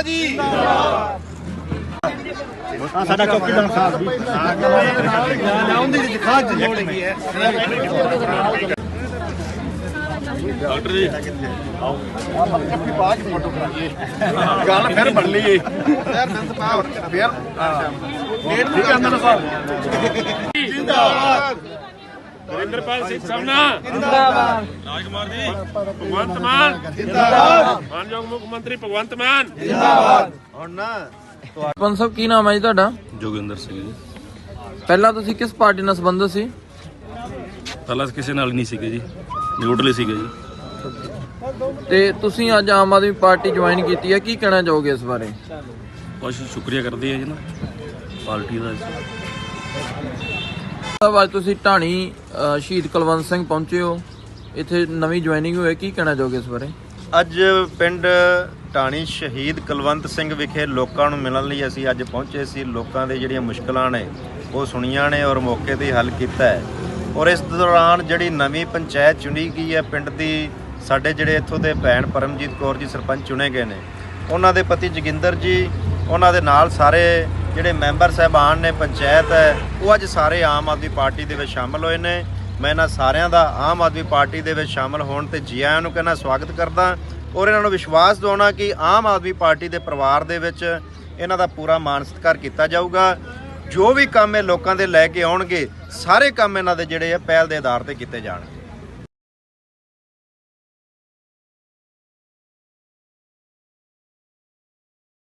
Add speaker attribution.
Speaker 1: जी
Speaker 2: ਸਾਡਾ ਚੌਕੀਦਾਰ ਸਾਹਿਬ ਜੀ
Speaker 1: डॉक्टर जी गल फिर बन ली
Speaker 3: नरेंद्रपाल सिंह सामना जिंदाबाद, राजकुमार जी भगवंत मान जिंदाबाद, मानयोग मुख्यमंत्री भगवंत मान जिंदाबाद।
Speaker 4: ਸਰਪੰਚ ਸਾਹਿਬ ਕੀ ਨਾਮ ਹੈ ਜੀ ਤੁਹਾਡਾ?
Speaker 5: ਜੋਗਿੰਦਰ ਸਿੰਘ ਜੀ।
Speaker 4: ਪਹਿਲਾਂ ਤੁਸੀਂ ਕਿਸ ਪਾਰਟੀ ਨਾਲ ਸੰਬੰਧਿਤ ਸੀ?
Speaker 5: ਪਹਿਲਾਂ ਕਿਸੇ ਨਾਲ ਨਹੀਂ ਸੀਗੇ ਜੀ, ਨਿਊਟਰਲ ਸੀਗੇ ਜੀ।
Speaker 4: ਤੇ ਤੁਸੀਂ ਅੱਜ ਆਮ ਆਦਮੀ ਪਾਰਟੀ ਜੁਆਇਨ ਕੀਤੀ ਹੈ, ਕੀ ਕਹਿਣਾ ਚਾਹੋਗੇ ਇਸ ਬਾਰੇ?
Speaker 5: ਬਹੁਤ ਸ਼ੁਕਰੀਆ ਕਰਦੇ ਆ ਜੀ ਨਾ ਪਾਰਟੀ ਦਾ।
Speaker 4: ਸਾਹਿਬ ਅੱਜ ਤੁਸੀਂ ਢਾਣੀ ਸ਼ਹੀਦ ਕੁਲਵੰਤ ਸਿੰਘ ਪਹੁੰਚੇ ਹੋ, ਇੱਥੇ ਨਵੀਂ ਜੁਆਇਨਿੰਗ ਹੋਈ, ਕੀ ਕਹਿਣਾ ਚਾਹੋਗੇ ਇਸ ਬਾਰੇ?
Speaker 6: ਅੱਜ ਪਿੰਡ ਢਾਣੀ ਸ਼ਹੀਦ ਕੁਲਵੰਤ ਸਿੰਘ ਵਿਖੇ ਲੋਕਾਂ ਨੂੰ ਮਿਲਣ ਲਈ ਅਸੀਂ ਅੱਜ ਪਹੁੰਚੇ ਸੀ। ਲੋਕਾਂ ਦੇ ਜਿਹੜੀਆਂ ਮੁਸ਼ਕਲਾਂ ਨੇ ਉਹ ਸੁਣੀਆਂ ਨੇ ਔਰ ਮੌਕੇ 'ਤੇ ਹੱਲ ਕੀਤਾ ਹੈ। ਔਰ ਇਸ ਦੌਰਾਨ ਜਿਹੜੀ ਨਵੀਂ ਪੰਚਾਇਤ ਚੁਣੀ ਗਈ ਹੈ ਪਿੰਡ ਦੀ, ਸਾਡੇ ਜਿਹੜੇ ਇੱਥੋਂ ਦੇ ਭੈਣ ਪਰਮਜੀਤ ਕੌਰ ਜੀ ਸਰਪੰਚ ਚੁਣੇ ਗਏ ਨੇ, ਉਹਨਾਂ ਦੇ ਪਤੀ ਜੋਗਿੰਦਰ ਜੀ, ਉਹਨਾਂ ਦੇ ਨਾਲ ਸਾਰੇ ਜਿਹੜੇ ਮੈਂਬਰ ਸਾਹਿਬਾਨ ਨੇ ਪੰਚਾਇਤ ਹੈ, ਉਹ ਅੱਜ ਸਾਰੇ ਆਮ ਆਦਮੀ ਪਾਰਟੀ ਦੇ ਵਿੱਚ ਸ਼ਾਮਲ ਹੋਏ ਨੇ। ਮੈਂ ਇਹਨਾਂ ਸਾਰਿਆਂ ਦਾ ਆਮ ਆਦਮੀ ਪਾਰਟੀ ਦੇ ਵਿੱਚ ਸ਼ਾਮਲ ਹੋਣ ਤੇ ਜੀ ਆਇਆਂ ਨੂੰ ਕਹਿਣਾ ਸਵਾਗਤ ਕਰਦਾ ਔਰ ਇਹਨਾਂ ਨੂੰ ਵਿਸ਼ਵਾਸ ਦਿਵਾਉਣਾ ਕਿ ਆਮ ਆਦਮੀ ਪਾਰਟੀ ਦੇ ਪਰਿਵਾਰ ਦੇ ਵਿੱਚ ਇਹਨਾਂ ਦਾ ਪੂਰਾ ਮਾਣ ਸਤਿਕਾਰ ਕੀਤਾ ਜਾਊਗਾ। ਜੋ ਵੀ ਕੰਮ ਇਹ ਲੋਕਾਂ ਦੇ ਲੈ ਕੇ ਆਉਣਗੇ, ਸਾਰੇ ਕੰਮ ਇਹਨਾਂ ਦੇ ਜਿਹੜੇ ਆ ਪਹਿਲ ਦੇ ਆਧਾਰ ਤੇ ਕੀਤੇ ਜਾਣਗੇ।